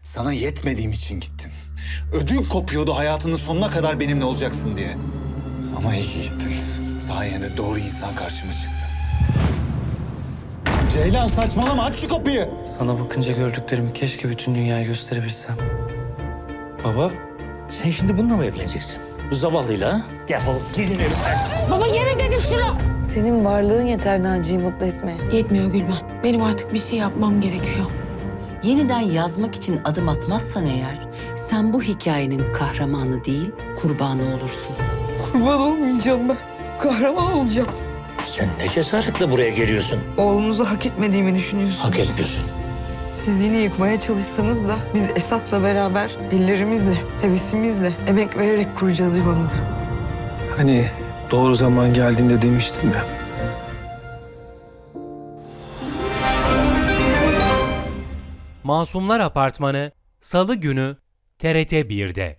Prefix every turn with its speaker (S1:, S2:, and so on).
S1: Sana yetmediğim için gittin. Ödün kopuyordu hayatının sonuna kadar benimle olacaksın diye. Ama iyi ki gittin. Sayende doğru insan karşıma çıktı. Ceylan saçmalama, aç şu kapıyı.
S2: Sana bakınca gördüklerimi keşke bütün dünyaya gösterebilsem. Baba,
S3: Sen şimdi bununla mı evleneceksin? Bu zavallıyla ha? Defol gidin evimden.
S4: Baba yeme dedim şunu.
S5: Senin varlığın yeter Naci'yi mutlu etmeye.
S4: Yetmiyor Gülben. Benim artık bir şey yapmam gerekiyor.
S6: Yeniden yazmak için adım atmazsan eğer, sen bu hikayenin kahramanı değil, kurbanı olursun.
S5: Kurban olmayacağım ben. Kahraman olacağım.
S3: Sen ne cesaretle buraya geliyorsun?
S5: Oğlunuzu hak etmediğimi düşünüyorsunuz.
S3: Hak etmiyorsun.
S5: Siz yine yıkmaya çalışsanız da biz Esat'la beraber ellerimizle, hevesimizle, emek vererek kuracağız yuvamızı.
S2: hani doğru zaman geldiğinde demiştim ya.
S7: Masumlar Apartmanı Salı günü TRT 1'de.